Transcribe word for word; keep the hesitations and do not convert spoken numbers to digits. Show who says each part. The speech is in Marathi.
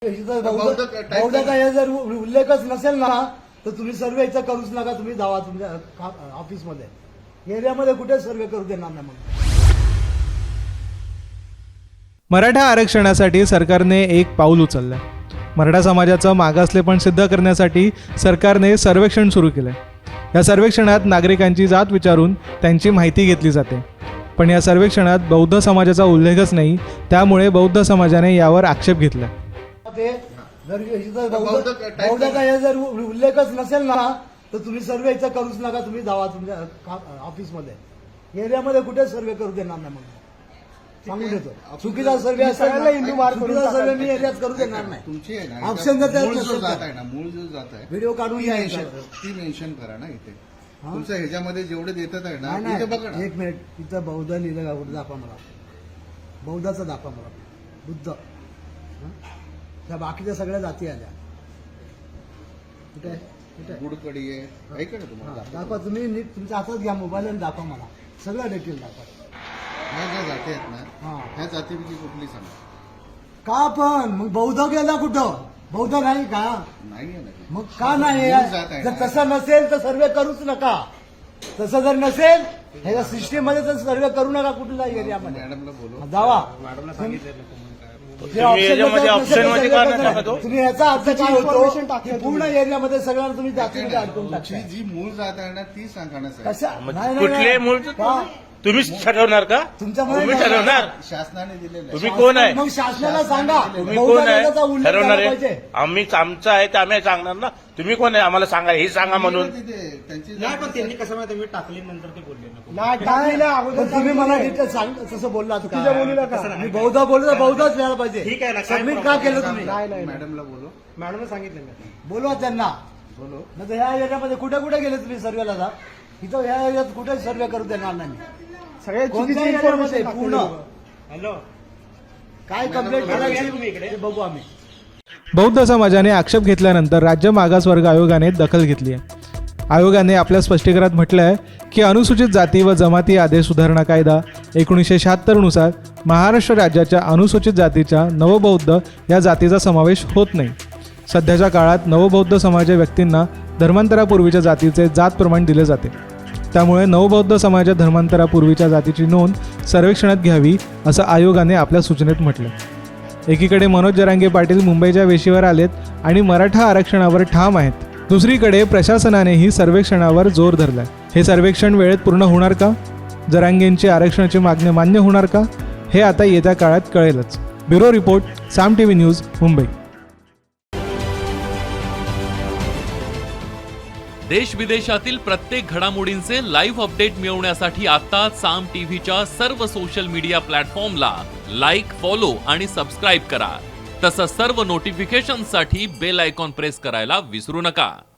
Speaker 1: बौद्धाचा हे जर उल्लेखच नसेल ना तर तुम्ही सर्वे इथं करूच नका. तुम्ही जावा तुमच्या ऑफिसमध्ये, एरियामध्ये कुठे सर्वे करू देणार नाही. मग
Speaker 2: मराठा आरक्षणासाठी सरकारने एक पाऊल उचललं. मराठा समाजाचं मागासलेपण सिद्ध करण्यासाठी सरकारने सर्वेक्षण सुरू केलंय. या सर्वेक्षणात नागरिकांची जात विचारून त्यांची माहिती घेतली जाते. पण या सर्वेक्षणात बौद्ध समाजाचा उल्लेखच नाही, त्यामुळे बौद्ध समाजाने यावर आक्षेप घेतला.
Speaker 1: ते जर बौद्धाचा हे जर उल्लेखच नसेल ना तर तुम्ही सर्वे इथं करूच नका. तुम्ही जावा तुमच्या ऑफिसमध्ये, एरियामध्ये कुठे सर्वे करू देणार नाही. मग सांगून देतो, चुकीचा सर्वे असेल हिंदू मार्ग चुकीचा सर्वे मी एरियात करू देणार नाही.
Speaker 3: तुमची आहे ना
Speaker 1: ऑप्शन जर
Speaker 3: मूळ जो जात आहे ना मूळ जो जात आहे
Speaker 1: व्हिडिओ काढून घ्या,
Speaker 3: ती मेन्शन करा ना इथे. तुमचं ह्याच्यामध्ये जेवढे देतात आहे ना
Speaker 1: नाही
Speaker 3: इथे बघा ना.
Speaker 1: एक मिनिट, इथं बौद्ध लिहिलं का कुठे दाखवा मला. बौद्धाचं दाखवा मला. बुद्ध, त्या बाकीच्या सगळ्या जाती आल्या कुठे कुठे
Speaker 3: गुडकडी आहे, ऐका ना तुम्हाला
Speaker 1: दाखवा. तुम्ही नीट तुमच्या हातात घ्या मोबाईल आणि दाखवा मला सगळं डिटेल दाखवा.
Speaker 3: ह्या ज्या जाती आहेत
Speaker 1: हा.
Speaker 3: ना ह्या जातीपैकी कुठली सांगा.
Speaker 1: का पण मग बौद्ध गेला कुठं? बौद्ध नाही का?
Speaker 3: नाही आहे ना ती.
Speaker 1: मग का नाही?
Speaker 3: मूळ जात आहे
Speaker 1: जर
Speaker 3: ना.
Speaker 1: तसं नसेल तर सर्वे करूच नका. तसं जर नसेल ह्याच्या सिस्टीम मध्ये तर सर्वे करू नका कुठल्या एरियामध्ये.
Speaker 3: मॅडमला बोलू.
Speaker 1: जावा.
Speaker 4: तुम्ही याच्यामध्ये ऑप्शन मध्ये का नाही टाकत हो?
Speaker 1: तुम्ही याचा अर्थ काय होतो की पूर्ण एरियामध्ये सगळ्यांना तुम्ही जातीमध्ये अडकून
Speaker 3: तुमची
Speaker 1: टाकताय.
Speaker 3: जी मूळ जात आहे ना ती सांगा ना साहेब.
Speaker 1: कशा
Speaker 4: मग
Speaker 1: नाही, नाही,
Speaker 4: कुठले
Speaker 1: नाही.
Speaker 4: मूळ
Speaker 1: का?
Speaker 4: तुम्हीच ठरवणार का?
Speaker 1: तुमच्यामध्ये
Speaker 4: तुम्ही
Speaker 1: काय?
Speaker 4: ठरवणार.
Speaker 3: शासनाने दिलेलं
Speaker 4: तुम्ही कोण आहे?
Speaker 1: मग शासनाला सांगा.
Speaker 4: तुम्ही
Speaker 1: बौद्ध
Speaker 4: कोण आहे?
Speaker 1: धर्माचा उल्लेख
Speaker 4: ठरवणार
Speaker 1: झाला
Speaker 4: आहे.
Speaker 1: पाहिजे.
Speaker 4: आम्ही आमचं आहे ते आम्ही सांगणार ना. तुम्ही कोण आहे आम्हाला सांगा, हे सांगा म्हणून.
Speaker 3: तिथे त्यांची
Speaker 5: नाही पण त्यांनी कसं माहिती मी टाकली नंतर ते बोलले नको.
Speaker 1: नाही नाही, पण तुम्ही मला डिटेल सांग तसं बोललात का? मी बौद्ध बोललो तर बौद्धच लिहायला पाहिजे.
Speaker 5: ठीक आहे ना, काय
Speaker 1: सबमिट का
Speaker 5: problem
Speaker 1: केलं तुम्ही?
Speaker 3: मॅडमला बोलू.
Speaker 5: मॅडमने सांगितलं मी.
Speaker 1: बोलवा त्यांना.
Speaker 3: बोलू.
Speaker 1: नाही तर ह्या एरियामध्ये कुठे कुठे गेले तुम्ही सर्वेला जा. इथं ह्या एरियात कुठे सर्वे करू देणार नाही.
Speaker 5: सगळ्या
Speaker 1: कोणत्या एरियामध्ये पूर्ण
Speaker 5: हॅलो
Speaker 1: काय कंप्लेंट करायची ते बघू आम्ही.
Speaker 2: बौद्ध समाजाने आक्षेप घेतल्यानंतर राज्य मागासवर्ग आयोगाने दखल घेतली आहे. आयोगाने आपल्या स्पष्टीकरणात म्हटलं आहे की अनुसूचित जाती व जमाती आदेश सुधारणा कायदा एकोणीसशे शहात्तरनुसार महाराष्ट्र राज्याच्या अनुसूचित जातीच्या नवबौद्ध या जातीचा समावेश होत नाही. सध्याच्या काळात नवबौद्ध समाजाच्या व्यक्तींना धर्मांतरापूर्वीच्या जातीचे जात प्रमाण दिले जाते. त्यामुळे नवबौद्ध समाजाच्या धर्मांतरापूर्वीच्या जातीची नोंद सर्वेक्षणात घ्यावी असं आयोगाने आपल्या सूचनेत म्हटलं. एकीकडे मनोज जरांगे पाटील मुंबईच्या वेशीवर आलेत आणि मराठा आरक्षणावर ठाम आहेत. दुसरीकडे प्रशासनानेही सर्वेक्षणावर जोर धरलाय. हे सर्वेक्षण वेळेत पूर्ण होणार का? जरांगेंची आरक्षणाची मागणी मान्य होणार का? हे आता येत्या काळात कळेलच. Bureau report, Saam TV news, Mumbai.
Speaker 6: देश विदेशातील प्रत्येक घडामोडींचे लाईव्ह अपडेट मिळवण्यासाठी आता साम टीव्हीच्या सर्व सोशल मीडिया प्लॅटफॉर्मला लाईक, फॉलो आणि सबस्क्राईब करा. तसंच सर्व नोटिफिकेशनसाठी बेल आयकॉन प्रेस करायला विसरू नका.